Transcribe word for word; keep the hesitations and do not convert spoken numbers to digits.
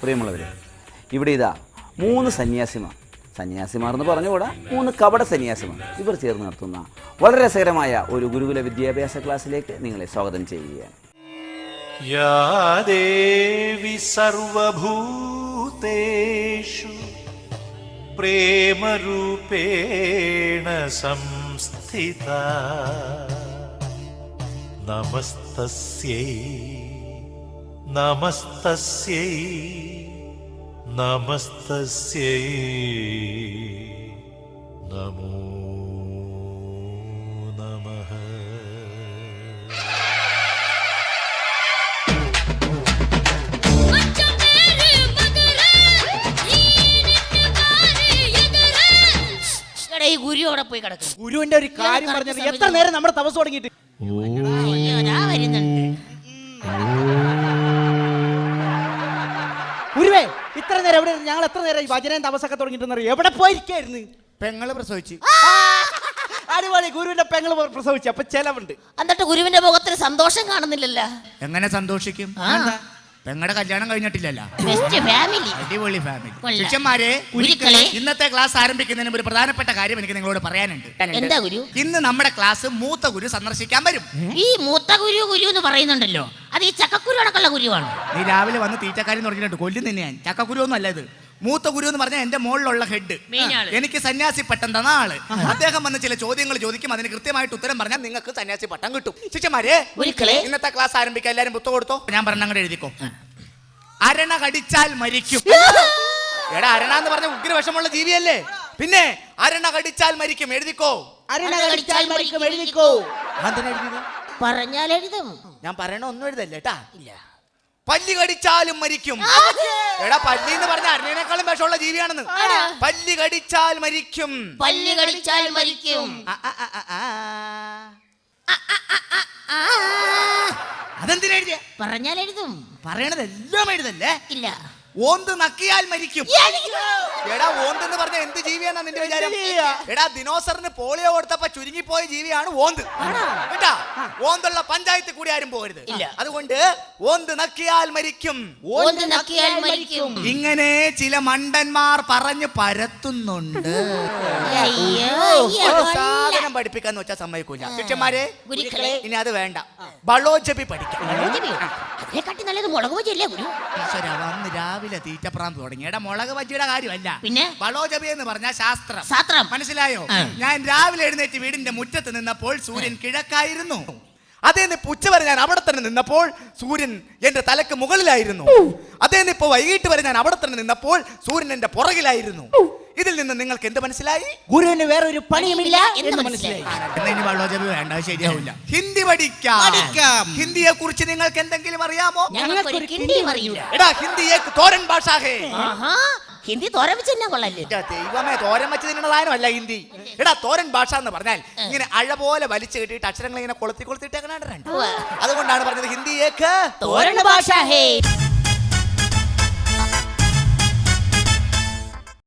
പ്രിയമുള്ളവരെ, ഇവിടെ ഇതാ മൂന്ന് സന്യാസിമാർ സന്യാസിമാർ എന്ന് പറഞ്ഞുകൂടാ മൂന്ന് കപട സന്യാസിമാർ ഇവർ ചേർന്ന് നടത്തുന്ന വളരെ രസകരമായ ഒരു ഗുരുകുല വിദ്യാഭ്യാസ ക്ലാസ്സിലേക്ക് നിങ്ങളെ സ്വാഗതം ചെയ്യുകയാണ്. യാ ദേവി സർവഭൂതേഷു പ്രേമരൂപേണ സംസ്ഥിതാ നമസ്തസ്യൈ നമസ്തസ്യൈ നമസ്തസ്യൈ നമോ നമഃ. ഗുരുവിടെ പോയി കിടക്കും. ഗുരുവിന്റെ ഒരു കാര്യം പറഞ്ഞത് എത്ര നേരം നമ്മുടെ തപസ് തുടങ്ങിയിട്ട് ഗുരുവേ, ഇത്ര നേരം എവിടെ ഞങ്ങൾ എത്ര നേരം ഈ ഭജനയും തപസ്സൊക്കെ തുടങ്ങിയിട്ട് എവിടെ പോയിരിക്കായിരുന്നു? പെങ്ങള് പ്രസവിച്ച്. അടിപൊളി, ഗുരുവിന്റെ പെങ്ങള് പ്രസവിച്ചു. അപ്പൊ ചെലവുണ്ട്. എന്നിട്ട് ഗുരുവിന്റെ മുഖത്തിന് സന്തോഷം കാണുന്നില്ലല്ലോ. എങ്ങനെ സന്തോഷിക്കും? പെങ്ങളുടെ കല്യാണം കഴിഞ്ഞിട്ടില്ലല്ലോ. അടിപൊളി ഫാമിലി. ശിഷ്യന്മാരെ, ഇന്നത്തെ ക്ലാസ് ആരംഭിക്കുന്നതിന് ഒരു പ്രധാനപ്പെട്ട കാര്യം എനിക്ക് നിങ്ങളോട് പറയാനുണ്ട്. എന്താ ഗുരു? ഇന്ന് നമ്മുടെ ക്ലാസ് മൂത്ത ഗുരു സന്ദർശിക്കാൻ വരും. ഈ മൂത്ത ഗുരു ഗുരു എന്ന് പറയുന്നുണ്ടല്ലോ, അത് ഈ ചക്കക്കുരു അടക്കമുള്ള ഗുരുവാണ്. നീ രാവിലെ വന്ന് തീറ്റക്കാരി തുടങ്ങിയിട്ട് കൊല്ലും തന്നെ ഞാൻ. ചക്കക്കുരു ഒന്നും അല്ല ഇത്. മൂത്ത ഗുരു എന്ന് പറഞ്ഞാൽ എന്റെ മുകളിലുള്ള ഹെഡ്, എനിക്ക് സന്യാസി പട്ടം തന്ന ആള്. അദ്ദേഹം വന്ന് ചില ചോദ്യങ്ങൾ ചോദിക്കും, അതിന് കൃത്യമായിട്ട് ഉത്തരം പറഞ്ഞാൽ നിങ്ങൾക്ക് സന്യാസി പട്ടം കിട്ടും. ശിഷ്യന്മാരെ, ഇന്നത്തെ ക്ലാസ് ആരംഭിക്കാൻ എല്ലാരും പുസ്തകം കൊടുത്തോ. ഞാൻ പറഞ്ഞ അങ്ങോട്ട് എഴുതിക്കോ. അരണ കടിച്ചാൽ മരിക്കും. എടാ, അരണ എന്ന് പറഞ്ഞ ഉഗ്രവിഷമുള്ള ജീവിയല്ലേ? പിന്നെ അരണ കടിച്ചാൽ മരിക്കും എഴുതിക്കോ. അരണ കടിച്ചാൽ മരിക്കും എഴുതിക്കോ. പറഞ്ഞാൽ എഴുതും. ഞാൻ പറയണ ഒന്നും എഴുതല്ലേ കേട്ടാ. ഇല്ല. പല്ലി കടിച്ചാലും മരിക്കും. എടാ, പല്ലി എന്ന് പറഞ്ഞ അരണേക്കാളും വിഷമുള്ള ജീവിയാണെന്ന്. പല്ലി കടിച്ചാൽ മരിക്കും. പല്ലി കടിച്ചാൽ മരിക്കും. അതെന്തിനാ എഴുതിയ? പറഞ്ഞാൽ എഴുതും. പറയണതെല്ലാം എഴുതല്ലേ? ഇല്ല. ഓന്ത് നക്കിയാൽ മരിക്കും. എടാ, ഓന്ത് എന്ന് പറഞ്ഞ എന്ത് ജീവിയാന്നാ നിന്റെ വിചാരം? എടാ, ദിനോസറിന് പോളിയോ കൊടുത്തപ്പോ ചുരുങ്ങിപ്പോയ ജീവിയാണ് ഓന്ത് കേട്ടാ. ഓന്തുള്ള പഞ്ചായത്ത് കൂടി ആരും പോകരുത്. അതുകൊണ്ട് ഓന്ത് നക്കിയാൽ മരിക്കും. ഓന്ത് നക്കിയാൽ മരിക്കും. ഇങ്ങനെ ചില മണ്ടന്മാർ പറഞ്ഞു പരത്തുന്നുണ്ട്. സാധനം പഠിപ്പിക്കാന്ന് വെച്ചാൽ സമ്മതിക്കൂല. ശിഷ്യന്മാരെ, ഇനി അത് വേണ്ട, ബളോജപി പഠിക്കാം. അതിനെക്കാട്ടി നല്ലത് മുളക് ബജിയല്ലേ ഗുരു? ഈശ്വര, വന്ന് രാവിലെ തീറ്റപ്രാന്ത് തുടങ്ങി. എടാ, മുളക് ബജിയുടെ കാര്യമല്ല, പിന്നെ ബളോജപി എന്ന് പറഞ്ഞ ശാസ്ത്രം. ശാസ്ത്രം മനസ്സിലായോ? ഞാൻ രാവിലെ എഴുന്നേറ്റ് വീടിന്റെ മുറ്റത്ത് നിന്നപ്പോൾ സൂര്യൻ കിഴക്കായിരുന്നു. അതേ നിപ്പ് ഉച്ച വരെ ഞാൻ അവിടെ തന്നെ നിന്നപ്പോൾ സൂര്യൻ എന്റെ തലക്ക് മുകളിലായിരുന്നു. അതേ നിപ്പ് വൈകിട്ട് വരെ ഞാൻ അവിടെ തന്നെ നിന്നപ്പോൾ സൂര്യൻ എന്റെ പുറകിലായിരുന്നു. ഇതിൽ നിന്ന് നിങ്ങൾക്ക് എന്ത് മനസ്സിലായി? ഗുരുവിന് വേറെ ഒരു പണിയുമില്ല എന്ന് മനസ്സിലായി. ബളോജപി വേണ്ട, ശരിയാവില്ല. ഹിന്ദി പഠിക്കാം. ഹിന്ദിയെ കുറിച്ച് നിങ്ങൾക്ക് എന്തെങ്കിലും അറിയാമോ? എടാ, ഹിന്ദി ഏക് തോരൻ ഭാഷ ഹേ. ഹിന്ദി തോരൻ വെച്ച് തന്നെ കൊള്ളല്ലേ? ദൈവമേ, തോരൻ വെച്ച് തിന്നണതായല്ല ഹിന്ദി. എടാ, തോരൻ ഭാഷ എന്ന് പറഞ്ഞാൽ ഇങ്ങനെ അഴ പോലെ വലിച്ചു കെട്ടിയിട്ട് അക്ഷരങ്ങൾ ഇങ്ങനെ കൊളുത്തി കൊളുത്തിട്ടേക്കണ. അതുകൊണ്ടാണ് പറഞ്ഞത് ഹിന്ദി ഏക് തോരൻ ഭാഷ ഹേ.